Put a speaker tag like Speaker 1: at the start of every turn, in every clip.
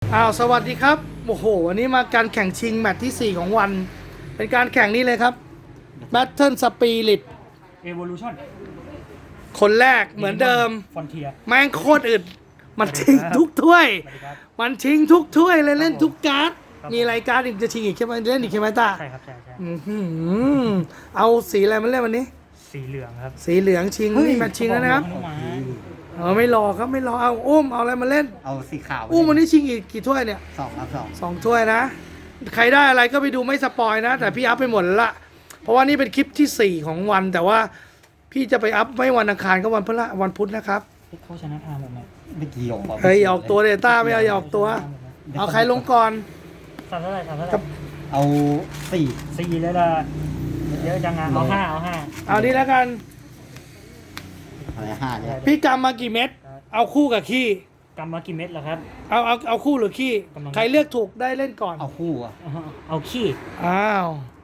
Speaker 1: สวัสดีครับโอ้โหวันนี้มาการแข่งชิงแมตช์ที่ 4 ของวัน เป็นการแข่งนี้เลยครับ Battle Spirit
Speaker 2: Evolution
Speaker 1: คนแรกเหมือนเดิม
Speaker 2: Frontier
Speaker 1: แม่งโคตรอึดมันชิงทุกถ้วย
Speaker 2: สวัสดีครับ
Speaker 1: มันชิงทุกถ้วยเลยเล่นทุกการ์ด มีรายการอีกจะชิงอีกใช่ไหมเล่นอีกใช่ไหมตา
Speaker 2: ใช่ครับใช่
Speaker 1: อื้อหือเอาสีอะไรมาเล่นวันนี้
Speaker 2: สีเหลืองครับ
Speaker 1: สีเหลืองชิงนี่แมตช์ชิงแล้วนะครับ
Speaker 2: หมา
Speaker 1: ไม่รอครับไม่รอเอาอุ้มเอาอะไรมาเล่น
Speaker 3: เอาสีขาว
Speaker 1: อุ้มวันนี้ชิงอีกกี่ถ้วยเนี่ย
Speaker 3: 2 ครับ
Speaker 1: 2 ถ้วยนะ ใครได้อะไรก็ไปดูไม่สปอยนะ แต่พี่อัพไปหมดแล้วละเพราะว่านี่เป็นคลิปที่ 4 ของวัน แต่ว่าพี่จะไปอัพไม่วันอังคารก็วันพฤหัสวันพุธนะครับ
Speaker 2: เขาชนะทางแบบไหน
Speaker 3: 2ไม่เกี่ยว
Speaker 1: เฮ้ยออกตัวเดต้าไม่เอาอย่าออกตัว เอาใครลงก่อน
Speaker 2: ทำเท่าไหร่ทำเท่าไห
Speaker 1: ครั
Speaker 2: ร่
Speaker 1: บ
Speaker 3: เอาสี่
Speaker 2: สี่เลยล่ะเยอะจังงานเอาห้า
Speaker 1: เอานี้แล้วกัน
Speaker 3: อะไร5เนี่ย
Speaker 1: พี่กำมากี่เม็ดเอาคู่กับขี้
Speaker 2: กำมากี่เม็ดแล้วครับ
Speaker 1: เอาคู่หรือขี้
Speaker 2: กำลัง
Speaker 1: ใครเลือกถูกได้เล่นก่อน
Speaker 3: เอาคู่อ่ะ
Speaker 2: เอาขี้
Speaker 1: อ้าว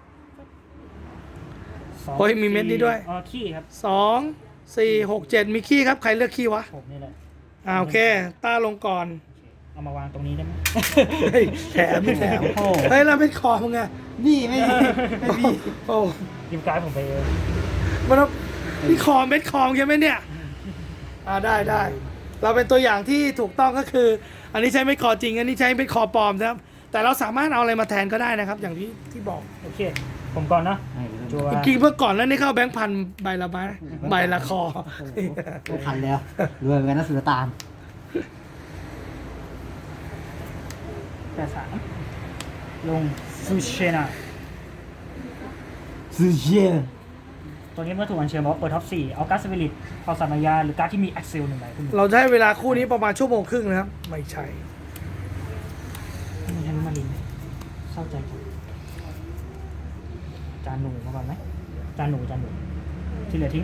Speaker 1: โอ้ยมีเม็ดนี้ด้วย
Speaker 2: อ๋อขี้ครับ
Speaker 1: 2 4 6 7มีขี้ครับใครเลือกขี้วะ
Speaker 2: ผมนี่แหละ
Speaker 1: โอเคต้าลงก่อน
Speaker 2: เอามาวางตรงนี้ได้ไหม
Speaker 1: เฮ้ยแถมไม่แถมเฮ้ยเราเป็นคอมึงไง
Speaker 3: นี่ไม่มีไม่มี
Speaker 1: โอ้
Speaker 2: ยิมการ์ดผมไปเอง
Speaker 1: มันเอานี่คอเม็ดคองใช่ไหมเนี่ยได้เราเป็นตัวอย่างที่ถูกต้องก็คือ อันนี้ใช้เม็ดคอจริงอันนี้ใช้เม็ดคอปลอมนะครับแต่เราสามารถเอาอะไรมาแทนก็ได้นะครับ อย่างที่บอก
Speaker 2: โอเค ผมก่อนนะจัว
Speaker 1: จริงๆเมื่อก่อนแล้วนี่เข้าแบงค์พันใบละใบละคอ
Speaker 3: ไม่ทันแล้วรวยเหมือนกันนะสุลต่าน
Speaker 2: 83ลงซูเชนา
Speaker 3: ซูเชีย
Speaker 2: ตัวนี้เมื่อถูกอัญเชิญมาว่าเปิดท็อป 4 เอาการ์ดสปิริตเอาสามายาหรือการ์ดที่มีแอคเซลหนึ่งใบขึ้น
Speaker 1: เราจะให้เวลาคู่นี้ประมาณชั่วโมงครึ่งนะครับ ไม่ใช่
Speaker 2: มีฮันมารินเศร้าใจจังจานหนูมาก่อนไหมจานหนูที่เหลือทิ้ง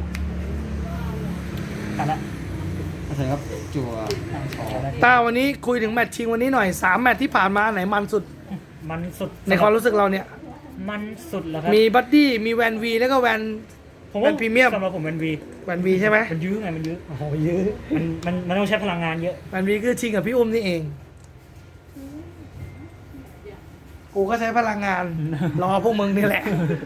Speaker 2: กันละ
Speaker 3: ก็คือครับจั่ว
Speaker 1: ต้าวันนี้คุยถึงแมตช์ชิงวันนี้หน่อย3แมตช์ที่ผ่านมาไหนมันสุด
Speaker 2: มันสุด
Speaker 1: ในความรู้สึกเราเนี่ย
Speaker 2: มันสุดแล้วครับ
Speaker 1: มีบัดดี้มีแวนวีแล้วก็แวน
Speaker 2: ผมว่า
Speaker 1: เป็นพรีเมียม
Speaker 2: สำหรับผมเป็นวี
Speaker 1: แวนวีใช่ไหม
Speaker 2: มันยื้อไงมันยื้อ
Speaker 1: โอ้โหเยอะ
Speaker 2: มันต้องใช้พลังงานเยอะ
Speaker 1: แวนวีคือชิงกับพี่อุ้มนี่เอง กูก็ใช้พลังงาน รอพวกมึงนี่แหละ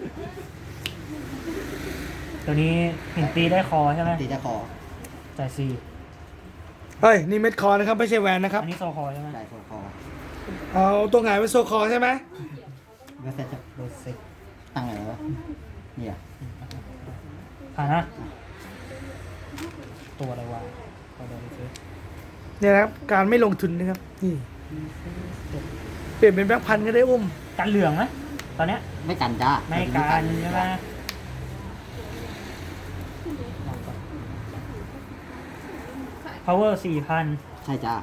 Speaker 2: ตัวนี้หินตีได้คอใช่ไหม
Speaker 3: ตีจะคอ
Speaker 2: จ่ายซี
Speaker 1: เฮ้ย นี่เม็ดคอนะครับ ไม่ใช่แวนนะครับ
Speaker 2: อันนี้โซคอใช่ไหม
Speaker 3: จ่ายคอ
Speaker 1: เอาตัวหงายเป็นโซคอใช่ไหม
Speaker 3: เมื่อเสร็จจะ
Speaker 2: โดนเซ็ก
Speaker 3: ตั้งไงวะเนี่ย
Speaker 2: ผ่านนะตัวอะไรวะตัวโดนเซ็ก
Speaker 1: เนี่ยนะครับ การไม่ลงทุนนะครับ นี่ เปลี่ยนเป็นแบงค์พันก็ได้อุ้ม
Speaker 2: กันเหลืองไหมตอนเนี้ย
Speaker 3: ไม่กันจ้า
Speaker 2: ไม่กันใช่ไหม power 4,000
Speaker 3: ใช่จ้า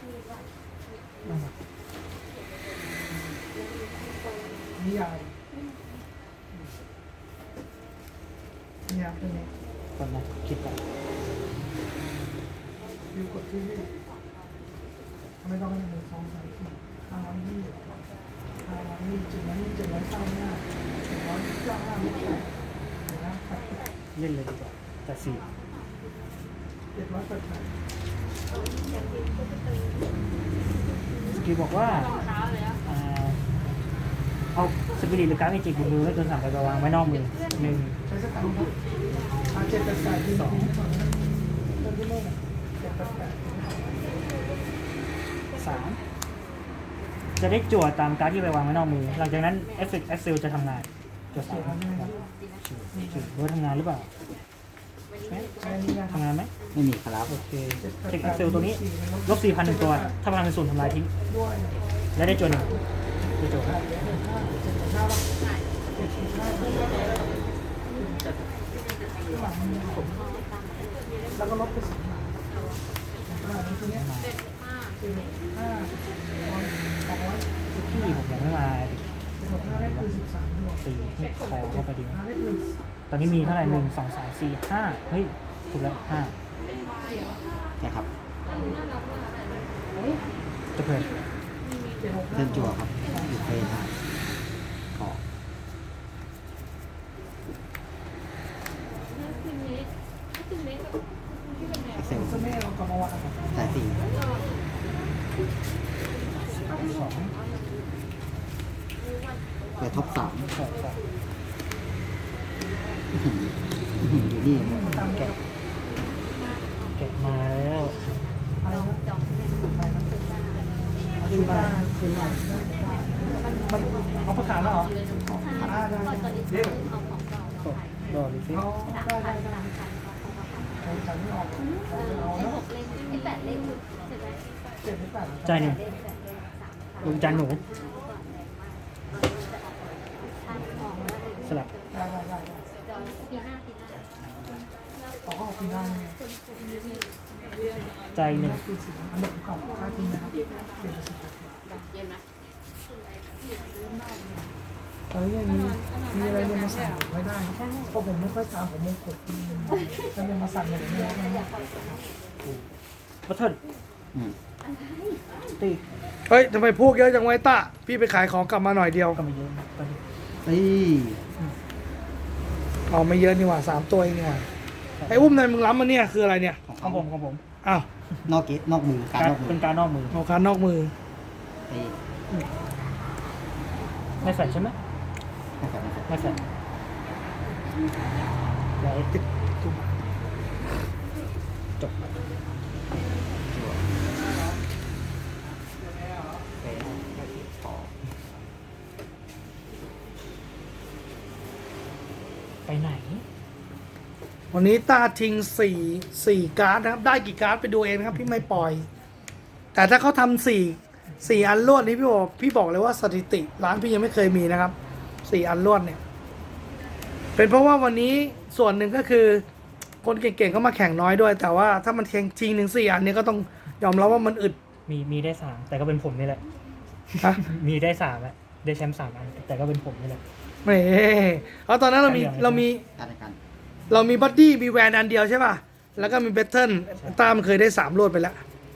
Speaker 1: นิยายนิยายเป็นไง
Speaker 2: คนนะคิดไป
Speaker 1: ดูกดที่นี่ไม่ต้องให้หนึ่งสองสามสี่520 700 795ไม่ใช่นะครั
Speaker 2: เล่นเลยดีกว่าแต่สี่
Speaker 1: 788
Speaker 2: สกิลบอกว่าเอาสปิริตหรือการ์ดเมจิกบนมือไม่เกิน3ใบไปวางไว้นอกมือหนึ่ง
Speaker 1: ใช้สกัดครับ788ที่2เริ่มที่โม่788
Speaker 2: 3จะได้จั่วตามการ์ดที่ไปวางไว้นอกมือ หลังจากนั้นเอฟเฟกต์แอคเซลจะทำงานจั่ว3รู้ทำงานหรือเปล่าทำงานไหม
Speaker 3: ไม่มีครับ
Speaker 2: โอเคเทคแอคเซลตัวนี้ลบ 4,000 1 ตัว ถ้าพลังเป็นศูนย์ทำลายทิ้ง
Speaker 1: ด้วย
Speaker 2: และได้จั่วหนึ่งได้จั่วครับ
Speaker 1: แล้วก็ลบไป10ทีเนี้ย5
Speaker 2: ที่ผมยังไม่มา
Speaker 1: 200ได้คือ13ด้วย
Speaker 2: ตีให้คอเข้าไปดี
Speaker 1: ได้คือ
Speaker 2: ตอนนี้มีเท่าไหร่1 2 3 4 5เฮ้ยถูกแล้ว5
Speaker 3: ใช่ครับ
Speaker 2: จะเพิ่ม
Speaker 3: เส้นจั่วครับอยู่เฟรนขอเอ็กเซล
Speaker 1: จะไม่เอากลับมาวาง
Speaker 3: สายสี่
Speaker 2: 4
Speaker 3: เปิดท็อป 3
Speaker 2: ใช่ใช่
Speaker 3: อยู่นี่
Speaker 2: แกะแกะมาแล้ว
Speaker 1: คือมามันเอาประกาศแล้วเหรอเดี๋ยว
Speaker 2: ดอลิฟิ ใจหนึ่งลงจานหนูสลับใจหนึ่ง
Speaker 1: ตอนนี้ยังมีอะไรเนี่ยมาสั่งไม่ได้เพราะผมไม่ค่อยตามผมมงกฎจะเป็นมาสั่งอย่างนี้นะ
Speaker 2: บัตเทิล
Speaker 3: อืม
Speaker 2: ตี
Speaker 1: เฮ้ยทำไมพวกเยอะจังไว้ตะพี่ไปขายของกลับมาหน่อยเดียว
Speaker 2: ก็ไม่เยอะนะตอนนี้
Speaker 3: เฮ้ย
Speaker 1: เอาไม่เยอะนี่หว่า3 ตัวเองนี่หว่าไอ้อุ้มนายมึงล้ำมาเนี่ยคืออะไรเนี่ย
Speaker 2: ของผม
Speaker 1: อ้าวน
Speaker 3: อกเกตนอกมือการนอกมื
Speaker 2: เป็
Speaker 3: อน
Speaker 2: การนอกมือ
Speaker 1: เอาคานนอกมือ
Speaker 3: เฮ้ย
Speaker 2: ไม่แฟลชใช่ไหม
Speaker 3: นะครับ
Speaker 2: ไม่แฟลชไว้ติดจบ ไปไหน
Speaker 1: วันนี้ตาทิ้ง4การ์ดนะครับได้กี่การ์ดไปดูเองนะครับพี่ไม่ปล่อย แต่ถ้าเขาทำ4อันรวดนี้พี่บอกเลยว่าสถิติร้านพี่ยังไม่เคยมีนะครับ4อันรวดเนี่ยเป็นเพราะว่าวันนี้ส่วนหนึ่งก็คือ คนเก่งๆก็มาแข่งน้อยด้วย แต่ว่าถ้ามันทิ้ง4 อันนี้ก็ต้องยอมรับว่ามันอึด
Speaker 2: มีได้สามแต่ก็เป็นผมนี่แหละ
Speaker 1: ฮะ
Speaker 2: มีได้สามอะได้แชมป์3 อัน แต่ก็เป็นผมนี่แหละ
Speaker 1: ไม่เอาตอนนั้นเรามี
Speaker 3: การในการ
Speaker 1: เรามีบัดดี้มีแวนอันเดียวใช่ป่ะแล้วก็มีเบทเทิลตามนเคยได้3รวดไปแล้ว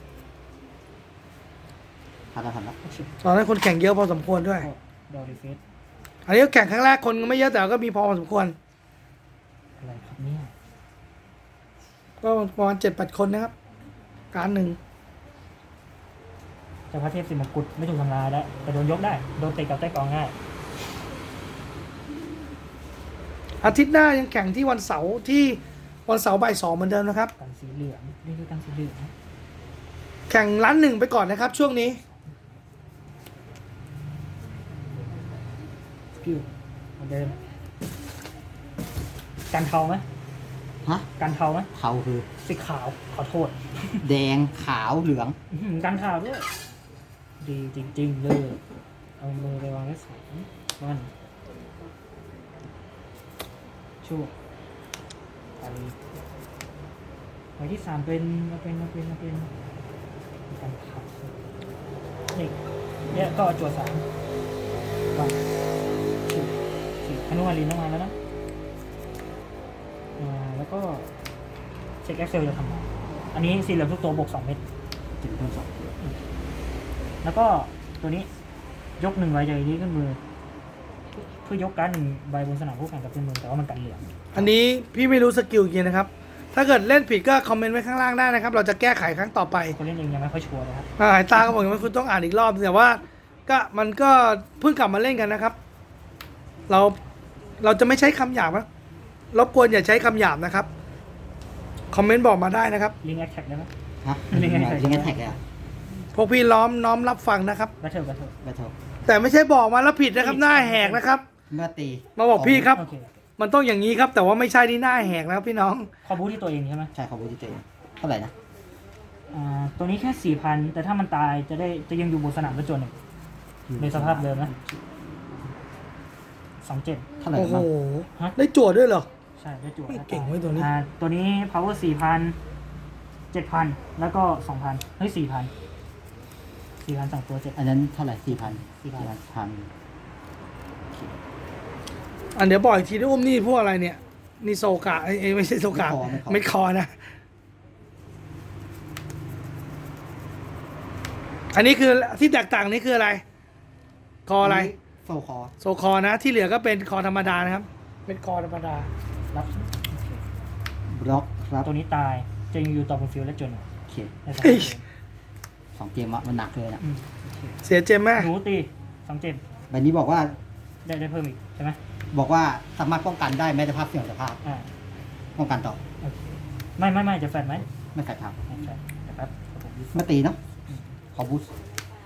Speaker 3: ทันแล้ว
Speaker 1: ตอนนั้นคนแข่งเยอะพอสมควรด้วย
Speaker 2: ดอลิฟิส
Speaker 1: อันนี้ก็แข่งครั้งแรกคนก็ไม่เยอะแต่ก็มีพอสมควร
Speaker 2: อะไรครับเนี่ย
Speaker 1: ก็ประมาณ7-8 คนนะครับ การหนึ่ง
Speaker 2: เจ้าพระเทพสิมกุฎไม่ถูกทำลายแล้วแต่โดนยกได้ โดนเตะกับใต้กองง่าย
Speaker 1: อาทิตย์หน้ายังแข่งที่วันเสาร์บ่าย 2เหมือนเดิมนะครับ
Speaker 2: กันสีเหลืองนี่คือกันสีเหลือง
Speaker 1: แข่งร้าน1ไปก่อนนะครับ ช่วงนี้
Speaker 2: สกิลเหมือนเดิมกันเทาไหม
Speaker 3: ฮะ
Speaker 2: กันเทาไหม
Speaker 3: เทาคือ
Speaker 2: สีขาวขอโทษ
Speaker 3: แดงขาวเหลือง
Speaker 2: อื้อหือกันขาวด้วยดีจริงๆเลยเอามือไปวางไว้2วันชูไปที่3เป็นกันขาวนี่เนี่ยก็จวด3วันสี่อนุมาลินต้องมาแล้วนะแล้วก็เช็ค Excel จะทำงานอันนี้สีเหลืองทุกตัวบวก2 เม็ด
Speaker 3: ถึงต้นสอง
Speaker 2: แล้วก็ตัวนี้ยก1ใบจากนี้ขึ้นมือ เพื่อยกการ์ด1ใบบนสนามคู่แข่งกับขึ้นมือแต่ว่ามันกันเหลือง
Speaker 1: อันนี้พี่ไม่รู้สกิลกี่นะครับ ถ้าเกิดเล่นผิดก็คอมเมนต์ไว้ข้างล่างได้นะครับ เราจะแก้ไขครั้งต่อไป
Speaker 2: คนเล่นเองยังไม่ค่อยชัวร์เลยครับ
Speaker 1: หายตาก็บอกว่าคุณต้องอ่านอีกรอบแต่ว่ามันก็เพิ่งกลับมาเล่นกันนะครับ เราจะไม่ใช้คำหยาบนะรบกวนอย่าใช้คำหยาบนะครับคอมเมนต์บอกมาได้นะครับ
Speaker 2: ลิงแอคแท็กได้ไหม
Speaker 3: ฮะ
Speaker 2: ลิงก์แท็ก
Speaker 3: ลิงก์แท็กเลยอะ
Speaker 1: พวกพี่น้อมรับฟังนะครับ
Speaker 2: บัตเทิล
Speaker 3: แบทเทิล
Speaker 1: แต่ไม่ใช่บอกมาแล้วผิดนะครับหน้าแหกนะครับ
Speaker 3: เมื่อตี
Speaker 1: มาบอกพี่ครับ
Speaker 2: โอเค
Speaker 1: มันต้องอย่างนี้ครับ แต่ว่าไม่ใช่ที่หน้าแหกนะครับพี่น้อง
Speaker 2: คอบูที่ตัวเองใช่ไหม
Speaker 3: ใช่ของบูติเตเท่าไหร่นะ
Speaker 2: ตัวนี้แค่ 4,000 แต่ถ้ามันตายจะยังอยู่บนสนามแล้วจนหนึ่งในสภาพเดิมนะ27
Speaker 3: เท่าไหร่
Speaker 1: โอ้โห
Speaker 3: บ้าง
Speaker 1: ได้จั่วด้วยเหรอ
Speaker 2: ใช่ได้จั่ว
Speaker 1: ไม่เก่งเว้ยตัวนี้
Speaker 2: ตัวนี้ power 4,000 7,000 แล้วก็ 2,000 เฮ้ย 4,000 2 ตัว7
Speaker 3: อันนั้นเท่าไหร่4,000
Speaker 2: 4,000
Speaker 3: พัน
Speaker 1: อันเดี๋ยวบอกอีกทีที่อุ้มนี่พวกอะไรเนี่ยนี่โซกะไม่ใช่โซกะเม็ดคอนะ อันนี้คือที่แตกต่างนี้คืออะไร คออะไร
Speaker 3: โซคอ
Speaker 1: โซคอนะ ที่เหลือก็เป็นคอธรรมดานะครับเป็นคอธรรมดา
Speaker 2: รับ
Speaker 3: บล็อกครับ
Speaker 2: ตัวนี้ตายจะยังอยู่ต่อบนฟิลด์และจน
Speaker 3: โอเค
Speaker 2: ในสนามเกม
Speaker 3: 2 เกมอะมันหนักเลยนะ
Speaker 2: โอเค
Speaker 1: เสียเจมแม่
Speaker 2: หนูตี2 เจม
Speaker 3: ใบนี้บอกว่า
Speaker 2: ได้เพิ่มอีกใช่ไหม
Speaker 3: บอกว่าสามารถป้องกันได้แม้แต่ภาพเสี่ยงสภาพ
Speaker 2: อ่า
Speaker 3: ป้องกันต่อ
Speaker 2: ไม่จะแฟนไหม
Speaker 3: ไม่ใส่ครับ
Speaker 2: ไม่แฟนเดี๋ยวแป๊บผมยึด
Speaker 3: ไม่ตีเนาะขอบูสต์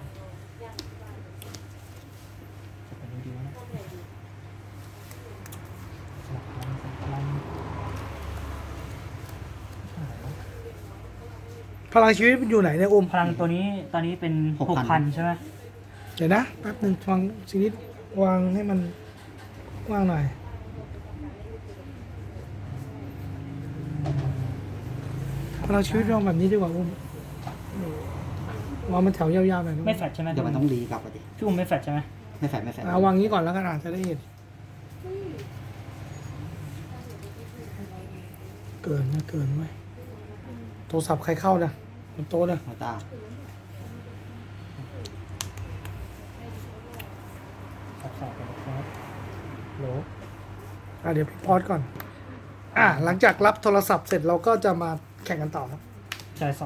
Speaker 2: จะเป็นดีๆนะสลับพลัง
Speaker 1: พลังชีวิตมันอยู่ไหนเนี่ยอุ้ม
Speaker 2: พลังตัวนี้ตอนนี้เป็น 6,000 ใช่ไหม
Speaker 1: เดี๋ยวนะแป๊บหนึ่งฟังชีวิตวางให้มันว่างหน่อยพลังชีวิตวางแบบนี้ดีกว่าอุ้มวางมันแถวยาวๆหน่อยนะ
Speaker 2: ไม่แฟดใช่ไหม
Speaker 3: เดี๋ยวมันต้องรีกลับไปดิ
Speaker 2: พี่อุ้มไม่แฟดใช่ไหม
Speaker 3: ไม่ใส่ไม่ใส่
Speaker 1: เอาวางนี้ก่อนแล้วกันอาจจะได้เห็นเกินนะเกินไว้ยโทรศัพท์ใครเข้านะบนโต๊ะนะ
Speaker 3: หัวตา
Speaker 2: สับๆไปครับโหล
Speaker 1: เดี๋ยวพี่พอดก่อนหลังจากรับโทรศัพท์เสร็จเราก็จะมาแข่งกันต่อครับ
Speaker 2: จ่าย2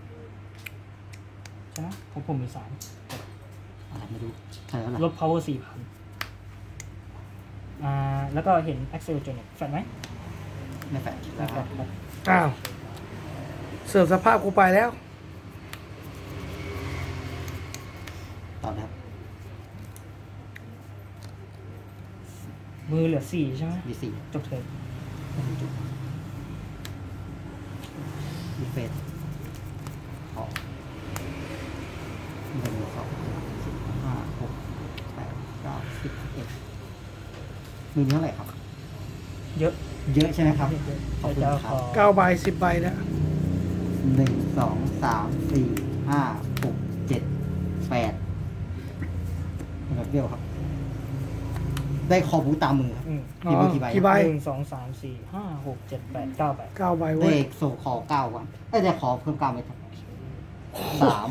Speaker 2: ใช่ไหมผมมี
Speaker 3: อะไรไม่รู้ใช่แล้ว
Speaker 2: 3
Speaker 3: ล่ะ
Speaker 2: ลบ power 4,000แล้วก็เห็น Axel จนแฟดไหม
Speaker 3: ไม่ใส่
Speaker 2: ไม่แฟดครับ
Speaker 1: อ้าวเสื่อมสภาพกูไปแล้ว
Speaker 3: ต่อนะครับ
Speaker 2: มือเหลือ 4 ใช่ไหม
Speaker 3: มีสี่
Speaker 2: จบเทิร์น
Speaker 3: มีเฟสขอ1 2 3 4 5 6 8 9 10 11มือนี้เท่าไหร่ครับ
Speaker 2: เยอะ
Speaker 3: เยอะใช่ไหมครับ ข
Speaker 2: ใคร
Speaker 3: อบคุณ
Speaker 2: จะเอา
Speaker 3: ค
Speaker 2: ข
Speaker 3: รับ
Speaker 2: อ
Speaker 1: 9 ใบ 10 ใบนะ
Speaker 3: 1 2 3 4 5 6 7 8แบบเดียวครับ ได้คอบูตามมือครับ
Speaker 2: อืม
Speaker 3: มีมือกี่ใบ
Speaker 1: กี่ใบ
Speaker 2: 1 2 3 4 5 6 7 8 9 ใบ
Speaker 1: 9 ใบ
Speaker 3: ได้
Speaker 1: เว้ย
Speaker 3: โซคอ9ก่อนได้ขอเพิ่ม9ไปครับ3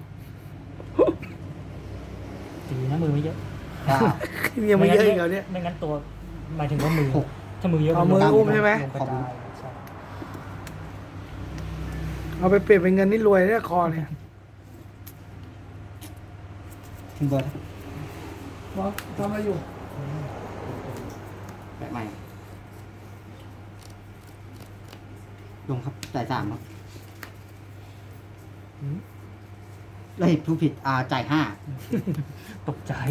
Speaker 2: ตีนะมือไม่เยอะ
Speaker 3: 9
Speaker 1: ยังไม่เยอะอีกเหรอเนี่ย
Speaker 2: ไม่งั้นตัวหมายถึงว่ามือ
Speaker 3: หก
Speaker 2: ถ้ามือเยอะ
Speaker 1: เอามืออุ้มใช่ไหม
Speaker 2: ลงกระจายใช่
Speaker 1: เอาไปเปลี่ยนเป็นเงินนี่รวยเนี่ยคอเนี่ย
Speaker 3: ทิ้งเบอร์
Speaker 1: บอสทำอะไรอยู่
Speaker 3: แบบใหม่ลงครับจ่าย3ครับเลยผู้ผิดจ่าย5
Speaker 2: ตกใจ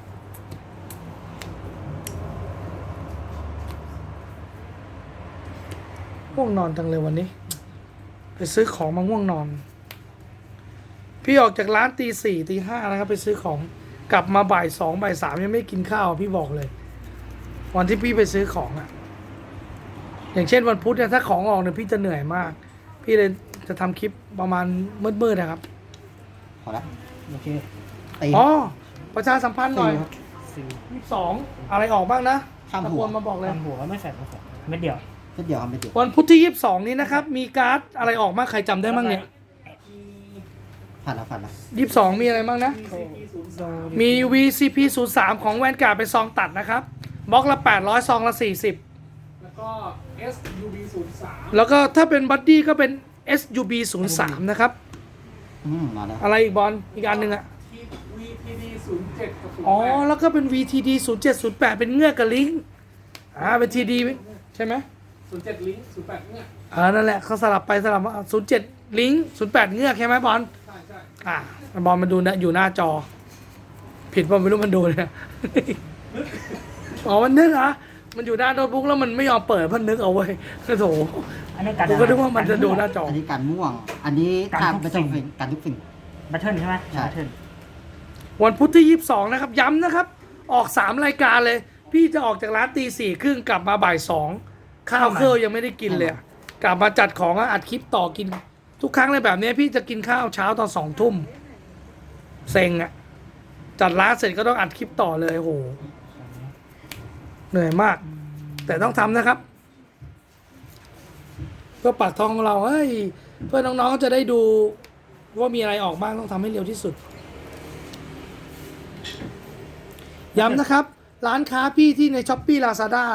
Speaker 1: ง่วงนอนจังเลยวันนี้ ไปซื้อของมาง่วงนอน พี่ออกจากร้านตี4ตี5นะครับ ไปซื้อของกลับมาบ่าย2บ่าย3ยังไม่กินข้าวพี่บอกเลย วันที่พี่ไปซื้อของอย่างเช่นวันพุธเนี่ยถ้าของออกเนี่ยพี่จะเหนื่อยมาก พี่เลยจะทำคลิปประมาณมืดๆนะครับ
Speaker 3: พอแล้ว
Speaker 2: โอเค
Speaker 3: ตี
Speaker 1: อ๋อประชาสัมพันธ์หน่อย
Speaker 3: ครับ
Speaker 1: 22อะไรออกบ้างนะ
Speaker 3: ข้ามหัว
Speaker 1: ตะโกนมาบอกเลย
Speaker 2: ทำหัวไม่แฟดเม็ดเดียว
Speaker 3: เช่นเดียวครับไม่เดียว
Speaker 1: วันพุธที่22นี้นะครับมีการ์ดอะไรออกบ้างใครจำได้บ้างเนี่ย
Speaker 3: ผ่านแล้ว
Speaker 1: 22มีอะไรบ้างนะ มี VCP 03ของแวนการ์ดเป็นซองตัดนะครับบล็อกละ800ซองละ40
Speaker 4: แล้วก็ SUB 03
Speaker 1: แล้วก็ถ้าเป็นบัดดี้ก็เป็น SUB 03นะครับ
Speaker 3: มาแล้ว
Speaker 1: อะไรอีกบอลอีกอันหนึ่งอะ
Speaker 4: ที่ VTD 07 กับ 08
Speaker 1: อ๋อแล้วก็เป็น VTD 0708เป็นเงือกกับลิงก์เป็น TD ใช่ไหม
Speaker 4: 07 ลิงก์08 เนี่ย
Speaker 1: นั่นแหละเขาสลับไปสลับมา07ลิงก์08เงือกใช่ไหมบอล
Speaker 4: ใช่ใช่
Speaker 1: บอลมันดูนะอยู่หน้าจอ ผิดบอลไม่รู้มันดูเลย อ๋อมันนึกเหรอมันอยู่หน้าโน้ตบุ๊กแล้วมันไม่ยอมเปิดมันนึกเอาไว้โถ
Speaker 2: อันนี้การ
Speaker 1: ผมก็นึกว่ามันจะดูหน้าจอ
Speaker 3: อันนี้การม่วง อันนี้ถ้าไม่ต้องเป็นการทุกสิ่ง
Speaker 2: บัตเทิลใช่ไหม
Speaker 3: ใช่
Speaker 2: บัตเทิล
Speaker 1: วันพุธที่ 22 นะครับ ย้ำนะครับ ออก 3 รายการเลย พี่จะออกจากร้านตี 4:30กลับมาบ่าย 2 ข้าวเครื่องยังไม่ได้กินเลยอะกลับมาจัดของอัดคลิปต่อกิน ทุกครั้งเลยแบบนี้พี่จะกินข้าวเช้าตอน2 ทุ่มเซ็งอะจัดร้านเสร็จก็ต้องอัดคลิปต่อเลยโหเหนื่อยมาก แต่ต้องทำนะครับ เพื่อปากท้องของเราเฮ้ยเพื่อน้องๆจะได้ดูว่ามีอะไรออกบ้างต้องทำให้เร็วที่สุด ย้ำนะครับ ร้านค้าพี่ที่ใน Shopee Lazada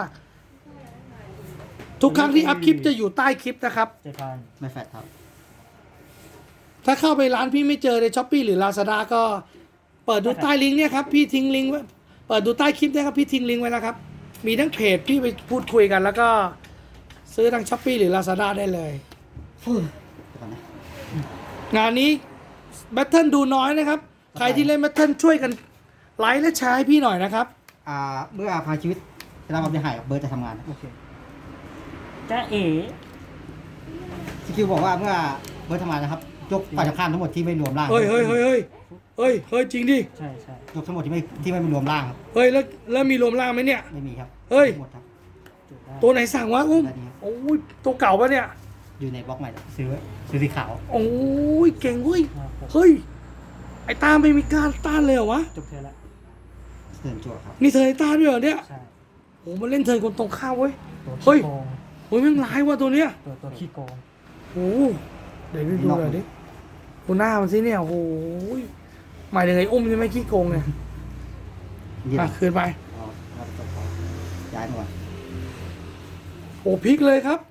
Speaker 1: ทุกครั้งที่อัพคลิปจะอยู่ใต้คลิปนะครับ
Speaker 2: 7,000
Speaker 3: ไม่แฟดครับ
Speaker 1: ถ้าเข้าไปร้านพี่ไม่เจอใน Shopee หรือ Lazada ก็เปิดดูใต้ลิงก์เนี่ยครับพี่ทิ้งลิงก์ไว้เปิดดูใต้คลิปเนี่ยครับพี่ทิ้งลิงก์ไว้แล้วครับมีทั้งเพจพี่ไปพูดคุยกันแล้วก็ซื้อทางช้อปปี้หรือ Lazada ได้เลย
Speaker 3: เดี๋ยวก่อนนะ
Speaker 1: งานนี้แบทเทิลดูน้อยนะครับ ใครที่เล่นแบทเทิลช่วยกันไลค์และแชร์ให้พี่หน่อยนะครับ
Speaker 3: เมื่อพาชีวิตจะรับความเสียหายเบิร์ดจะทำงานนะ
Speaker 2: โอเคจ้าเอ๋
Speaker 3: สกิลบอกว่าเมื่อเบิร์ดทำงานนะครับยกฝ่ายตรงข้ามทั้งหมดที่ไม่รวมร่าง
Speaker 1: เฮ้ยจริงดิ
Speaker 2: ใช่ใช่
Speaker 3: ยกทั้งหมดที่ไม่รวมร่างครับ
Speaker 1: เฮ้ยแล้วมีรวมล่างไหมเนี่ย
Speaker 3: ไม่มีครับ
Speaker 1: เฮ้ย
Speaker 3: หมดครับ
Speaker 2: จุดได้
Speaker 1: ตัวไหนสั่งวะอุ้ม
Speaker 3: ได้ดีครับ
Speaker 1: โอ้ยตัวเก่าปะเนี่ย
Speaker 3: อยู่ในบล็อกใหม่แล้วซื้อสีขาว
Speaker 1: โอ้ยเก่งเว้ย
Speaker 2: ครับผม
Speaker 1: เฮ้ยไอ้ตาไม่มีการต้านเลยเหรอวะ
Speaker 2: จบเธอละ
Speaker 3: เดินจั่วครับ
Speaker 1: นี่เธอไอ้ตาด้วยเหรอเนี่ย
Speaker 2: ใช่
Speaker 1: โอ้มันเล่นเธอคนตรงข้ามเว้ย
Speaker 2: ตัว
Speaker 1: เฮ้ย
Speaker 2: ขี้โกง
Speaker 1: โอ้ยแม่งร้ายว่ะตัวเนี้ย
Speaker 2: ตัวขี้โกง
Speaker 1: โอ้เดี๋ยวดูหน่อยดิดูหน้ามันสิเนี่ยโอ้ยหมายถึงไอ้อุ้มใช่ไหมขี้โกงเนี่ย
Speaker 3: ยืด
Speaker 1: อ่ะคืนไป
Speaker 3: เอาเอาตัวเขาย้ายมาก่อน
Speaker 1: โอ้พลิกเลยครับ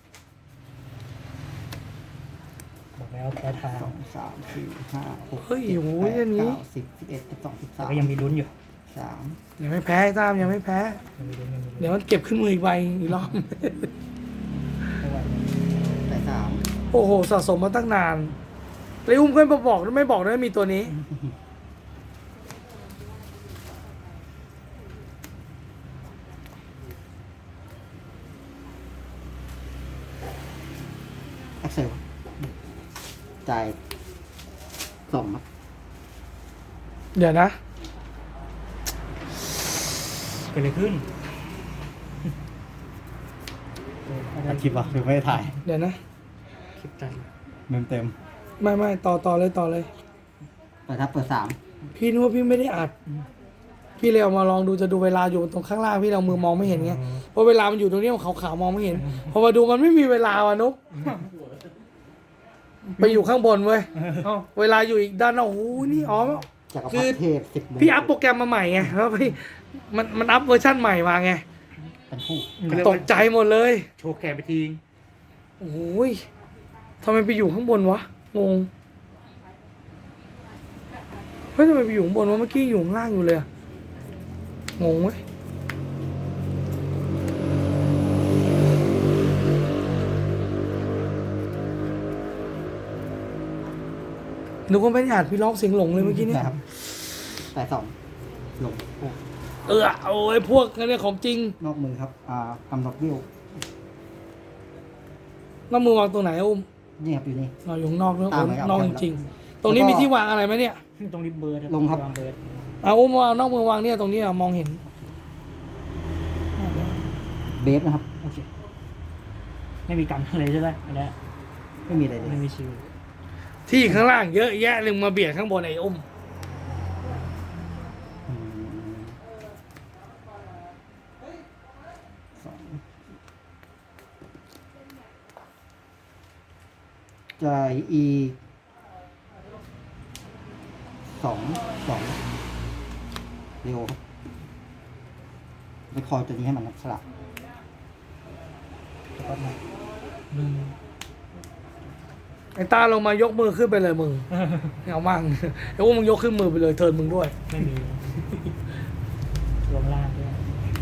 Speaker 2: บอกแล้วแพ้ทาง
Speaker 3: 2 3 4 5 6
Speaker 1: เฮ้ย
Speaker 3: 7
Speaker 1: โอ้ยอันนี้
Speaker 3: 8 9 10 11 12
Speaker 2: แต่ก็ยังมีลุ้นอยู่
Speaker 3: 13
Speaker 1: ยังไม่แพ้ไอ้ตามยังไม่แพ้
Speaker 2: ยังมีลุ้นยังมีลุ้น
Speaker 1: เดี๋ยวมันเก็บขึ้นมืออีกใบอีกรอบ
Speaker 2: ไม่ไหว
Speaker 3: แต่3
Speaker 1: โอ้โหสะสมมาตั้งนานเลยอุ้มก็ไม่บอกไม่บอกนะมีตัวนี้
Speaker 3: เอ็กเซลจ่าย2ครับ
Speaker 1: เดี๋ยวนะ
Speaker 2: เกิดอะไรขึ้น
Speaker 3: อัดคลิปวะหรือไม่ได้ถ่าย
Speaker 1: เดี๋ยวนะ
Speaker 2: คลิปตัน
Speaker 3: เต็ม
Speaker 1: ไม่ต่อเลย
Speaker 3: เปิดครับเปิด3
Speaker 1: พี่นึกว่าพี่ไม่ได้อัด พี่เลยเอามาลองดูจะดูเวลาอยู่ตรงข้างล่างพี่เรามือมองไม่เห็นไงเพราะเวลามันอยู่ตรงนี้มันขาวๆมองไม่เห็นพอมาดูมันไม่มีเวลาว่ะนุ๊กไปอยู่ข้างบนเว้ยเวลาอยู่อีกด้านนอกโอ้โหนี่อ๋อ
Speaker 3: จาก
Speaker 1: คือ
Speaker 3: เทพ10โมง
Speaker 1: พี่อัพโปรแกรมมาใหม่ไงแล้วพี่มันอัพเวอร์ชันใหม่มาไง
Speaker 3: เป็นคู่
Speaker 1: ตกใจหมดเลย
Speaker 4: โชว์แขนไปทิ้ง
Speaker 1: โอ้ยทำไมไปอยู่ข้างบนวะงงเฮ้ยทำไมไปอยู่ข้างบนวะเมื่อกี้อยู่ข้างล่างอยู่เลยอะงงเว้ยนึกว่าไม่ได้อ่านพี่ร้องเสียงหลงเลยเมื่อกี้นี่
Speaker 3: นะครับแต่2ลง
Speaker 1: โอ้ยพวกนั้นเนี่ยของจริง
Speaker 3: นอกมือครับกำหนดวิว
Speaker 1: น้ำมือวางตรงไหนอะอุ้ม
Speaker 3: นี่ครับอยู่นี่
Speaker 1: เราอยู่ข้างนอกเนอะ
Speaker 3: ตามไหมครับ
Speaker 1: นอกจริงๆตรงนี้
Speaker 3: แล้วก็
Speaker 1: มีที่วางอะไรไหมเนี่ย
Speaker 2: ตรงนี้เบิร์ด
Speaker 3: ลงครับ
Speaker 2: วางเบิร์ด
Speaker 1: เอาอุ้มวางนอกมือวางเนี่ยตรงนี้อะมองเห็น
Speaker 3: เบฟนะครับ
Speaker 2: โอเคไม่มีกันเลยใช่ไหมอันเนี้ย
Speaker 3: ไม่มีอะไรเล
Speaker 2: ไม่
Speaker 3: ย
Speaker 2: มีชิว
Speaker 1: ที่ข้างล่างเยอะแยะเลยมาเบียดข้างบนไอ้อุ้ม
Speaker 3: อืมสองจ่ายอีกสองเร็วครับไปคอยตัวนี้ให้มันสลับ
Speaker 2: แล้วก็มา
Speaker 1: ไอ้ตาลงมายกมือขึ้นไปเลยมึงเอามั่งไอ้อุ้มมึงยกขึ้นมือไปเลยเทิร์นมึงด้วย
Speaker 2: ไม่มีลงล่างด้วย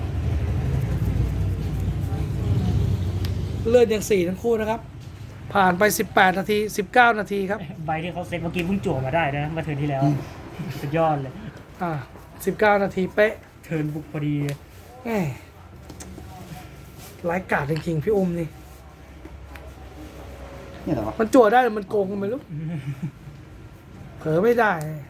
Speaker 1: เลือดยัง4ทั้งคู่นะครับ ผ่านไป18นาที19นาทีครับ
Speaker 2: ใบที่เขาเซ็ตเมื่อกี้เพิ่งจั่วมาได้นะมาเทิร์นที่แล้วสุดยอดเลย
Speaker 1: 19นาทีเป๊ะ
Speaker 2: เทิร์นบุกพอดี
Speaker 1: แหมร้ายกาจจริงๆพี่อุ้มนี่
Speaker 3: นี่เหรอวะ
Speaker 1: มันจั่วได้หรือมันโกงกันไม่รู้เผลอไม่ได้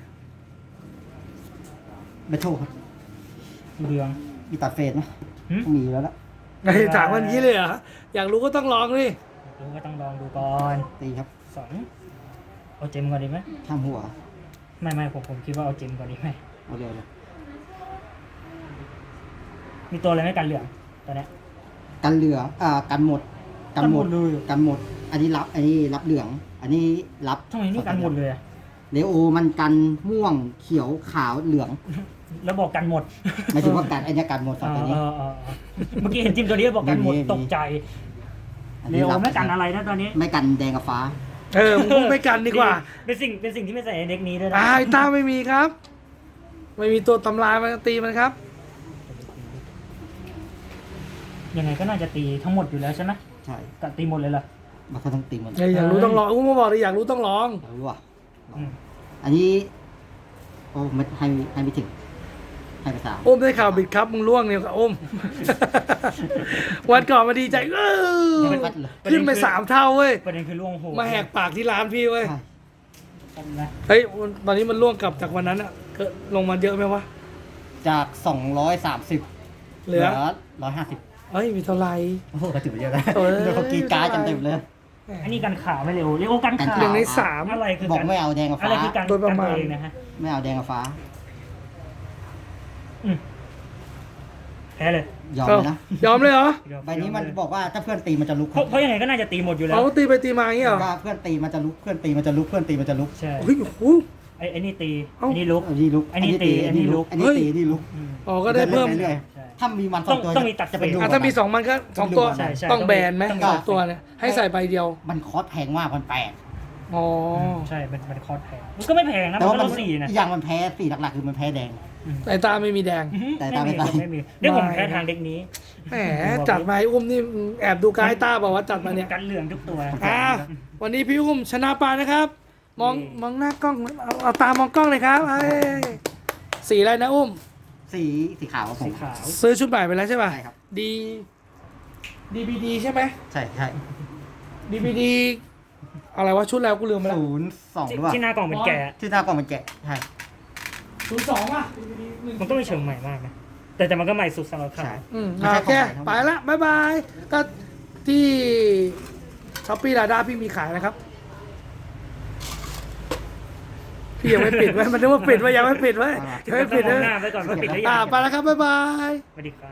Speaker 3: เบทโทครับ
Speaker 2: เรือง
Speaker 3: มีตัดเฟสไหม
Speaker 2: หึ
Speaker 3: ต้องมีอยู่แล้วละ
Speaker 1: ไอ้ถามมันงี้เลยเหรออยากรู้ก็ต้องลองดิ
Speaker 2: รู้ก็ต้องลองดูก่อน
Speaker 3: ตีครับ
Speaker 2: 2เอาเจมก่อนดีไหม
Speaker 3: ข้ามหัว
Speaker 2: ไม่ผมคิดว่าเอาเจมก่อนดีไหม
Speaker 3: เอาเร็วเลย
Speaker 2: มีตัวอะไรไม่กันเหลืองตอนเนี้ย
Speaker 3: กันเหลืองกันหมด
Speaker 2: กันหมดเลย
Speaker 3: กันหมด อันนี้รับเหลือง อันนี้รับ
Speaker 2: ทำไมนี่กันหมดเลยอะ
Speaker 3: เลโอมันกันม่วงเขียวขาวเหลือง
Speaker 2: แล้วบอกกันหมด
Speaker 3: ไม่ถึงว่ากันไอ้เนี่ยกันหมดสองตัวนี้
Speaker 2: เมื่อกี้เห็นจิมตัวนี้บอกกันหมด
Speaker 3: มี
Speaker 2: ตกใจ
Speaker 3: อัน
Speaker 2: เร็
Speaker 3: นี้
Speaker 2: ว
Speaker 3: รับ
Speaker 2: ไม่กันอะไรนะตอนนี้
Speaker 3: ไม่กันแดงกับฟ้า
Speaker 1: มึงพูดไม่กันดีกว่า
Speaker 2: เป็นสิ่งที่ไม่ใส่ในเด็กนี้ด้วยนะ
Speaker 1: ไอ้ตาไม่มีครับไม่มีตัวตำรามันตีมันครับ
Speaker 2: ยังไงก็น่าจะตีทั้งหมดอยู่แล้วใช่ไหม
Speaker 3: ใช่
Speaker 2: กะตีหมดเลยเหรอ
Speaker 3: มันก็ต้องตีหมด
Speaker 1: อยากรู้ต้องลองอุ้มมาบอกเลยอยากรู้ต้องลอง
Speaker 3: รู้ว่ะ
Speaker 2: อืม
Speaker 3: อันนี้ โอ้ไม่ให้ไม่ถึง ให้ไปสาม
Speaker 1: อุ้มได้ข่าวบิดครับมึงล่วงเนี่ยกับอุ้ม วันก่อนมาดีใจ
Speaker 3: ยังไม่ปัดเลย
Speaker 1: ขึ้นไป3 เท่าเว้ย
Speaker 2: ประเด็นคือล่วงโห
Speaker 1: มาแหกปากที่ร้านพี่เว้ย
Speaker 3: ใช่
Speaker 2: นะ
Speaker 1: เฮ้ยตอนนี้มันล่วงกลับจากวันนั้นอะเกิดลงมาเยอะไหมวะ
Speaker 3: จาก230
Speaker 1: เหลือ
Speaker 3: 150
Speaker 1: เฮ้ยมีเท่าไหร่
Speaker 3: โอ้โหก็ถือว่าเยอะนะ
Speaker 1: เออ
Speaker 3: เดี๋ยวเขากีการ์ดจำเต็มเลย
Speaker 2: อันนี้กันข่าวไม่เร็วเรียกว่ากันข่าว
Speaker 1: 1 ใน 3
Speaker 2: อะไรคือ
Speaker 3: บอก
Speaker 2: การ
Speaker 3: ไม่เอาแดงกับ
Speaker 2: อะไร
Speaker 3: ฟ้า
Speaker 2: คือการ
Speaker 1: โดยประมาณ
Speaker 2: กันตัวเองนะฮะ
Speaker 3: ไม่เอาแดงกับฟ้า
Speaker 2: อืมแพ้เลย
Speaker 3: ยอมเลยนะ
Speaker 1: ยอมเลยเหรอ
Speaker 3: ใบนี้มันบอกว่าถ้าเพื่อนตีมันจะลุก
Speaker 2: เพราะยังไงก็น่าจะตีหมดอยู่แล้ว
Speaker 1: เขาตีไปตีมาอย่างเงี้ยเหรอ
Speaker 3: ว่าเพื่อนตีมันจะลุก เพื่อนตีมันจะลุก เพื่อนตีมันจะลุก
Speaker 2: ใช่
Speaker 1: เฮ้ยโอ้โห
Speaker 2: ไอ้นี่ตี
Speaker 1: เอ้า
Speaker 2: ไอ้นี่ลุก
Speaker 3: อันนี้ลุก
Speaker 2: อันนี้ตีอันนี้ลุก
Speaker 3: อันนี้ตีอันนี้ลุก
Speaker 2: อืม
Speaker 1: อ๋อก็ได้เพิ่ม
Speaker 3: เรื่อย
Speaker 2: ใช่
Speaker 3: ๆถ้ามีมันสองตัว
Speaker 2: ต้องมีตัด
Speaker 3: จะเป็นดู
Speaker 1: ถ้ามี2 มันก็2 ตัว
Speaker 2: ใช่ใช่
Speaker 1: ต้องแบนไหม
Speaker 2: ต้อง
Speaker 1: สองตัวเนี่ยให้ใส่ใบเดียว
Speaker 3: มันคอสแพงมากมันแปลก
Speaker 1: อ๋อ
Speaker 2: ใช่เป็นคอร์สแพงมันก็ไม่แพงนะ
Speaker 3: แต่
Speaker 2: มัน
Speaker 3: ว่า
Speaker 2: ก็
Speaker 3: มัน
Speaker 2: ต้องสี่นะ
Speaker 3: อีกอย่างมันแพ้สีหลักๆคือมันแพ้แดง
Speaker 1: สายตาไม่มีแดง
Speaker 3: แต่ตามไม่
Speaker 2: ไม่
Speaker 3: ตาม
Speaker 2: มีไม่มีเดี๋ยวผมแพ้ทางเด็กนี้
Speaker 1: แหมจัดมาให้อุ้มนี่แอบดูกายตาบอกว่าจัดมาเนี่ย
Speaker 2: กันเหลืองทุกตัว
Speaker 1: วันนี้พี่อุ้มชนะปานะครับ มองหน้ากล้องเอาตามองกล้องเลยครับเอ้ยสีอะไรนะอุ้ม
Speaker 3: สีขาวครับผ
Speaker 2: สี
Speaker 3: ม
Speaker 2: ขาว
Speaker 1: ซื้อชุดใหม่ไปแล้วใช่ป่ะ
Speaker 3: ใช่ครับ
Speaker 1: DVD ใช่ไหม
Speaker 3: ใช่ใช่
Speaker 1: DVD อะไรวะชุดแล้วกูลืมไปแล้ว
Speaker 3: 02หรือเปล่า
Speaker 2: ที่หน้ากล่องเป็นแกะ
Speaker 3: ที่หน้ากล่องมันแกะใช่
Speaker 1: 02ป่ะ
Speaker 2: มันก็ไม่เชิงใหม่มากนะแต่มันก็ใหม่สุดสำหรับเขา
Speaker 3: ใช่
Speaker 1: โอเคไปละบ๊ายบายก็ที่ช้อปปี้ลาด้าพี่มีขายนะครับ พี่ยังไม่ปิดไว้มันนึกว่าปิดไว้ยังไม่ปิดไว้ยังไม่ปิด
Speaker 2: ต้
Speaker 1: เล
Speaker 2: อง
Speaker 1: ย
Speaker 2: มองหน้าไว้ก่อนว่าปิดหรือยัง
Speaker 1: ไปแล้วครับบ๊ายบาย
Speaker 2: สวัสดีครับ